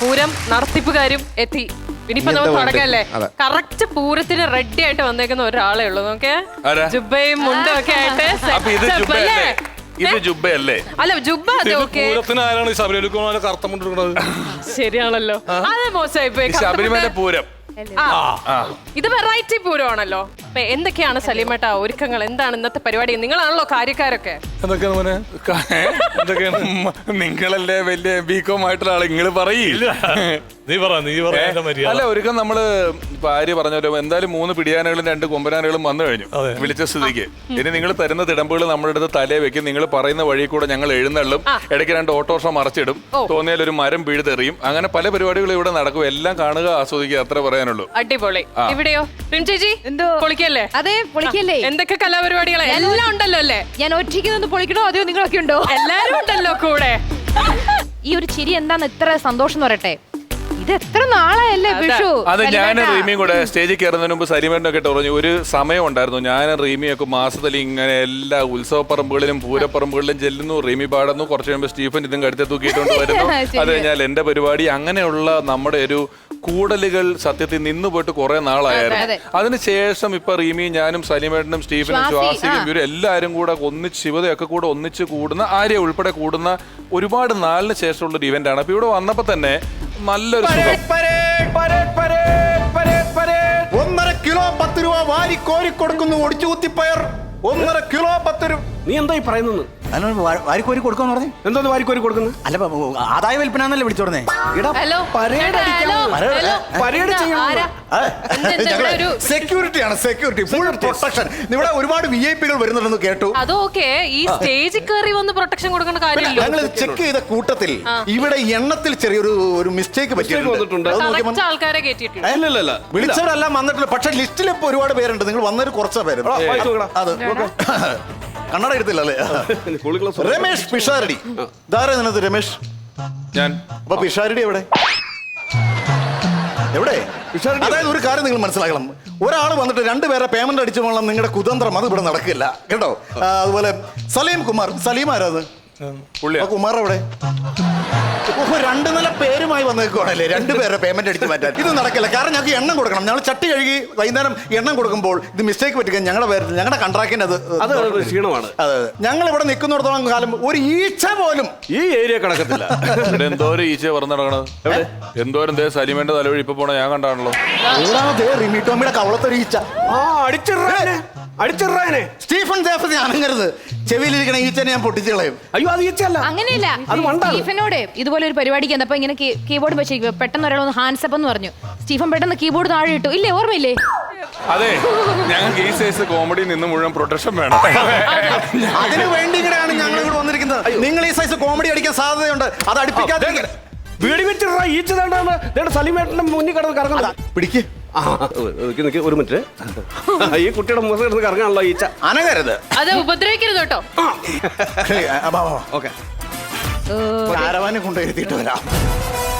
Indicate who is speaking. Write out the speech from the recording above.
Speaker 1: പൂരം നടത്തിപ്പുകാരും എത്തി. ഇനിയിപ്പോ നമ്മൾ തുടങ്ങല്ലേ. കറക്റ്റ് പൂരത്തിന് റെഡി ആയിട്ട് വന്നേക്കുന്ന ഒരാളേ ഉള്ളൂ. നോക്കേ, ജുബയും മുണ്ടും ഒക്കെ ആയിട്ട്.
Speaker 2: ഇത് ജുബയല്ലേ?
Speaker 1: അല്ല, ജുബ ശരിയാണല്ലോ. അത് മോശമായി.
Speaker 2: ശബരിമല പൂരം
Speaker 1: ഇത് വെറൈറ്റി പൂരമാണല്ലോ. എന്തൊക്കെയാണ് സലീമേട്ട ഒരുക്കങ്ങൾ? എന്താണ് ഇന്നത്തെ പരിപാടി? നിങ്ങളാണല്ലോ കാര്യക്കാരൊക്കെ.
Speaker 2: നിങ്ങളല്ലേ വലിയ ബികോം ആയിട്ടുള്ള ആള്, നിങ്ങള് പറയില്ല. അല്ല, ഒരുക്കം നമ്മള് ഭാര്യ പറഞ്ഞല്ലോ, എന്തായാലും 3 പിടിയാനകളും 2 കൊമ്പനാനകളും വന്നു കഴിഞ്ഞു വിളിച്ച സ്ഥിതിക്ക്. ഇനി നിങ്ങൾ തരുന്ന തിടമ്പുകൾ നമ്മുടെ അടുത്ത് തലേ വെക്കും. നിങ്ങൾ പറയുന്ന വഴി കൂടെ ഞങ്ങൾ എഴുന്നള്ളും. ഇടയ്ക്ക് 2 ഓട്ടോറിക്ഷ മറിച്ചിടും. തോന്നിയാൽ ഒരു മരം പിഴുതെറിയും. അങ്ങനെ പല പരിപാടികളും ഇവിടെ നടക്കും. എല്ലാം കാണുക, ആസ്വദിക്കുക, അത്ര പറയാനുള്ളൂ.
Speaker 1: അടിപൊളി. ഇവിടെയോ ചേച്ചി? എന്തോ പൊളിക്കല്ലേ?
Speaker 3: അതെ, പൊളിക്കല്ലേ.
Speaker 1: എന്തൊക്കെ കലാപരിപാടികളെ എല്ലാം ഉണ്ടല്ലോ അല്ലേ?
Speaker 3: ഞാൻ ഒറ്റയ്ക്ക് നിന്ന് പൊളിക്കണോ അതെയോ നിങ്ങളൊക്കെ ഉണ്ടോ?
Speaker 1: എല്ലാരും ഉണ്ടല്ലോ കൂടെ.
Speaker 3: ഈ ഒരു ചിരി എന്താന്ന് ഇത്ര സന്തോഷം എന്ന് പറയട്ടെ. ഇത് എത്ര നാളായല്ലേ വിഷു?
Speaker 2: അത് ഞാനും റീമിയും കൂടെ സ്റ്റേജിൽ കയറുന്നതിന് മുമ്പ് സലീമേട്ടനൊക്കെ പറഞ്ഞു, ഒരു സമയം ഉണ്ടായിരുന്നു ഞാനും റീമിയൊക്കെ മാസത്തിൽ ഇങ്ങനെ എല്ലാ ഉത്സവപ്പറമ്പുകളിലും പൂരപ്പറമ്പുകളിലും ചെല്ലുന്നു. റീമി പാടുന്നു. കുറച്ച് കഴിയുമ്പോൾ സ്റ്റീഫൻ ഇതും കടുത്ത തൂക്കിയിട്ടുണ്ട് വരുന്നു. അത് കഴിഞ്ഞാൽ എന്റെ പരിപാടി. അങ്ങനെയുള്ള നമ്മുടെ ഒരു കൂടലുകൾ സത്യത്തിൽ നിന്ന് പോയിട്ട് കുറെ നാളായിരുന്നു. അതിനുശേഷം ഇപ്പൊ റീമിയും ഞാനും സലീമേട്ടനും സ്റ്റീഫനും ശ്വാസിക്കും ഇവരും എല്ലാരും കൂടെ ഒന്നിച്ച് ശിവതയൊക്കെ കൂടെ ഒന്നിച്ച് കൂടുന്ന, ആര്യ ഉൾപ്പെടെ കൂടുന്ന ഒരുപാട് നാളിന് ശേഷമുള്ള ഒരു ഇവന്റ് ആണ്. അപ്പൊ ഇവിടെ വന്നപ്പോ തന്നെ നല്ലൊരു
Speaker 4: 1.5 കിലോ 10 രൂപ വാരി കോരി കൊടുക്കുന്നു. ഒടിച്ചു കുത്തിപ്പയർ 1.5 കിലോ 10 രൂപ.
Speaker 5: നീ എന്തായി പറയുന്നു?
Speaker 4: വാരിക്കോരി കൊടുക്കാന്ന് പറഞ്ഞു.
Speaker 5: എന്തോന്ന് വാരിക്കോരി കൊടുക്കുന്നു?
Speaker 4: അല്ല, ആദായ വിൽപ്പനല്ലേ വിളിച്ചോടനെ. സെക്യൂരിറ്റിയാണ്, സെക്യൂരിറ്റി, ഫുൾ പ്രൊട്ടക്ഷൻ. ഇവിടെ ഒരുപാട് VIP-കൾ വരുന്നുണ്ടെന്ന് കേട്ടു.
Speaker 1: അതൊക്കെ ഈ സ്റ്റേജിൽ കയറി വന്ന് പ്രൊട്ടക്ഷൻ കൊടുക്കേണ്ട കാര്യമില്ല.
Speaker 4: ഞങ്ങൾ ചെക്ക് ചെയ്ത കൂട്ടത്തിൽ ഇവിടെ എണ്ണത്തിൽ ചെറിയൊരു മിസ്റ്റേക്ക് പറ്റിയിട്ടുണ്ട്.
Speaker 1: ആൾക്കാരെ കേട്ടിട്ടുണ്ട്.
Speaker 4: വിളിച്ചവരെല്ലാം വന്നിട്ടില്ല. പക്ഷെ ലിസ്റ്റിൽ ഇപ്പൊ ഒരുപാട് പേരുണ്ട്. നിങ്ങൾ വന്നൊരു കുറച്ച് പേര്. അത് കണ്ണട എടുത്തില്ലല്ലേ? രമേഷ് പിഷാരടി. ഇതാരാ നിനത്? രമേഷ്
Speaker 2: ഞാൻ.
Speaker 4: അപ്പൊ പിഷാരടി എവിടെ? അതായത് ഒരു കാര്യം നിങ്ങൾ മനസ്സിലാക്കണം. ഒരാൾ വന്നിട്ട് 2 പേരെ പേയ്മെന്റ് അടിച്ചു പോകണം നിങ്ങളുടെ കുതന്ത്രം. അത് ഇവിടെ നടക്കില്ല കേട്ടോ. അതുപോലെ സലീം കുമാർ. സലീം ആരാത്? കുമാർ എവിടെ? 2 നില പേരുമായി വന്നേക്കുവാണല്ലേ 2 പേരെ പേയ്മെന്റ് അടിച്ച് മാറ്റാൻ. ഇത് നടക്കില്ല. കാരണം ഞങ്ങൾക്ക് എണ്ണം കൊടുക്കണം. ഞങ്ങൾ ചട്ടി കഴുകി വൈകുന്നേരം എണ്ണം കൊടുക്കുമ്പോൾ ഇത് മിസ്റ്റേക്ക് പറ്റിക്കാൻ ഞങ്ങളുടെ പേരിൽ ഞങ്ങളുടെ കൺട്രാക്റ്റിന് അത്
Speaker 5: ക്ഷീണമാണ്.
Speaker 4: അതെ, ഞങ്ങൾ ഇവിടെ നിൽക്കുന്നിടത്തോളം കാലം ഒരു ഈച്ച പോലും
Speaker 5: ഈ ഏരിയ കണക്കത്തില്ല.
Speaker 2: ഇവിടെ എന്തോരം ഈച്ച പറഞ്ഞു നടക്കണത്. എന്തോരം സലീമേന്റെ തലവഴി ഇപ്പൊ പോണ ഞാൻ കണ്ടാണല്ലോ.
Speaker 4: റിമിറ്റോമിയുടെ കവളത്തൊരു ഈച്ച.
Speaker 5: അടിച്ചിറാനെ
Speaker 4: സ്റ്റീഫൻ ജേഫസ് അനങ്ങരുത്. ചെവിയിലിരിക്കണ ഈച്ചനെ ഞാൻ പൊട്ടിച്ചു കളയും.
Speaker 5: അയ്യോ, അത് ഈച്ചല്ല.
Speaker 3: അങ്ങനെയല്ല. സ്റ്റീഫനോട് ഇതുപോലെ ഒരു പരിപാടിക്ക് വന്നപ്പോ ഇങ്ങനെ കീബോർഡ് വെച്ചിരിക്കും. പെട്ടെന്ന് ഒരാളൊന്ന് ഹാൻഡ്സ് അപ്പ് എന്ന് പറഞ്ഞു. സ്റ്റീഫൻ പെട്ടെന്ന് കീബോർഡ് താഴെ ഇട്ടു. ഇല്ലേ, ഓർമ്മയില്ലേ?
Speaker 2: അതെ, ഞങ്ങൾക്ക് ഈ സൈസ് കോമഡി നിന്ന് മുഴുവൻ പ്രൊട്ടക്ഷൻ വേണം.
Speaker 4: അതിനു വേണ്ടി ഇങ്ങനെയാണ് ഞങ്ങൾ ഇവിടെ വന്നിരിക്കുന്നത്. നിങ്ങൾ ഈ സൈസ് കോമഡി അടിക്കാൻ സാധ്യതയുണ്ട്. അത് അടുപ്പിക്കാതെ
Speaker 5: വീടി വെച്ചിട്ട് ഈച്ച സലീമേട്ടന്റെ മുന്നിൽ കിടന്ന് കറങ്ങാൻ പിടിക്ക്. ഒരു മിനിറ്റ്. ഈ കുട്ടിയുടെ മുഖം കിടന്ന് കറങ്ങാനുള്ള ഈച്ച.
Speaker 4: അനങ്ങരുത്,
Speaker 1: അത് ഉപദ്രവിക്കരുത് കേട്ടോ.
Speaker 4: ഓക്കെ, കാരവാനെ കൊണ്ടുവരുത്തിയിട്ട് വരാം.